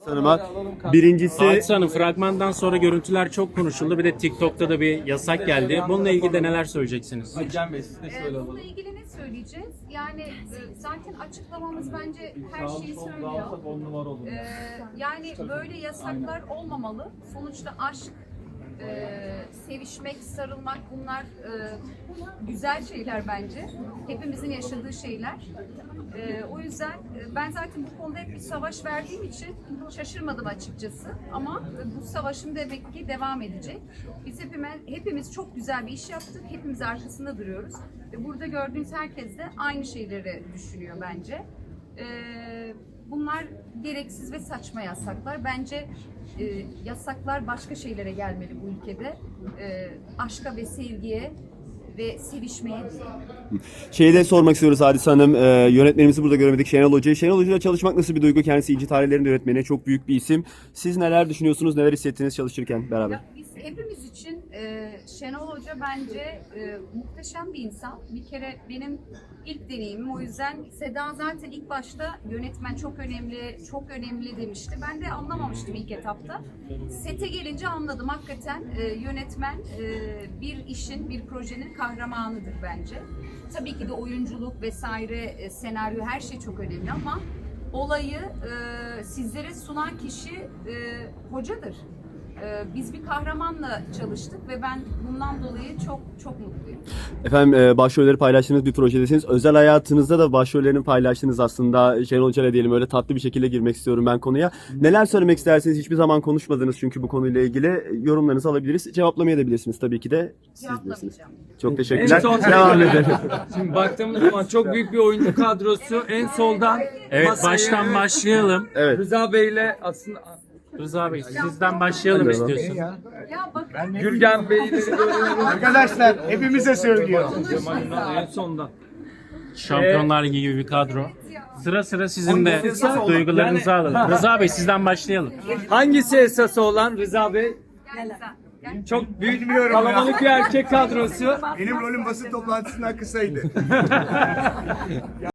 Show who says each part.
Speaker 1: Hanım'a. Birincisi
Speaker 2: Hadise Hanım, fragmandan sonra görüntüler çok konuşuldu. Bir de TikTok'ta da bir yasak geldi. Bununla ilgili de neler söyleyeceksiniz?
Speaker 3: Cem Bey siz de söyle alalım.
Speaker 4: Bununla ilgili ne söyleyeceğiz? Yani zaten açıklamamız bence her şeyi söylüyor.
Speaker 3: 10 numara olur.
Speaker 4: Yani böyle yasaklar olmamalı. Sonuçta aşk, sevişmek, sarılmak bunlar güzel şeyler bence. Hepimizin yaşadığı şeyler. O yüzden ben zaten bu konuda hep bir savaş verdiğim için şaşırmadım açıkçası. Ama bu savaşım demek ki devam edecek. Biz hepimiz çok güzel bir iş yaptık. Hepimiz arkasında duruyoruz. Ve burada gördüğünüz herkes de aynı şeyleri düşünüyor bence. Bunlar gereksiz ve saçma yasaklar. Bence yasaklar başka şeylere gelmeli bu ülkede. Aşka ve sevgiye ve sevişmeye değil.
Speaker 1: şeyi de sormak istiyoruz Hadise Hanım. Yönetmenimizi burada göremedik, Şenol Hoca'yı. Şenol Hoca'yla çalışmak nasıl bir duygu? Kendisi İnci Tarihler'in yönetmeni, çok büyük bir isim. Siz neler düşünüyorsunuz, neler hissettiniz çalışırken beraber?
Speaker 4: Ya biz hepimiz için Şenol Hoca bence muhteşem bir insan. Bir kere benim ilk deneyimim, o yüzden Seda zaten ilk başta yönetmen çok önemli, çok önemli demişti. Ben de anlamamıştım ilk etapta. Sete gelince anladım. Hakikaten yönetmen bir işin, bir projenin kahramanıdır bence. Tabii ki de oyunculuk vesaire, senaryo her şey çok önemli ama olayı sizlere sunan kişi hocadır. Biz bir kahramanla çalıştık ve ben bundan dolayı çok mutluyum.
Speaker 1: Efendim başrolleri paylaştığınız bir projedesiniz. Özel hayatınızda da başrollerini paylaştınız aslında. Şenol Hoca'yla diyelim, öyle tatlı bir şekilde girmek istiyorum ben konuya. Neler söylemek istersiniz? Hiçbir zaman konuşmadınız çünkü bu konuyla ilgili. Yorumlarınızı alabiliriz. Cevaplamayabilirsiniz tabii ki de. Siz bilirsiniz.
Speaker 4: Cevaplamayacağım.
Speaker 1: Çok teşekkürler.
Speaker 3: En son-
Speaker 1: Devam edelim.
Speaker 3: Şimdi baktığımız zaman çok büyük bir oyuncu kadrosu. En soldan
Speaker 2: Evet,
Speaker 3: masaya-
Speaker 2: baştan başlayalım.
Speaker 1: Evet.
Speaker 3: Rıza Bey'le aslında
Speaker 2: Rıza Bey, sizden başlayalım
Speaker 1: Hadi
Speaker 2: istiyorsun.
Speaker 4: Ya bakın.
Speaker 3: Gürgen Bey'le görüyoruz.
Speaker 5: Arkadaşlar hepimize söylüyor.
Speaker 3: En sondan.
Speaker 2: Şampiyonlar Ligi gibi bir kadro. Sıra sıra sizin de duygularınızı alalım. Rıza Bey, sizden başlayalım.
Speaker 3: Hangisi esası olan Rıza Bey?
Speaker 4: Yani
Speaker 3: Çok büyük
Speaker 5: Bilmiyorum
Speaker 3: kalabalık bir erkek kadrosu.
Speaker 5: Benim rolüm basın toplantısından kısaydı.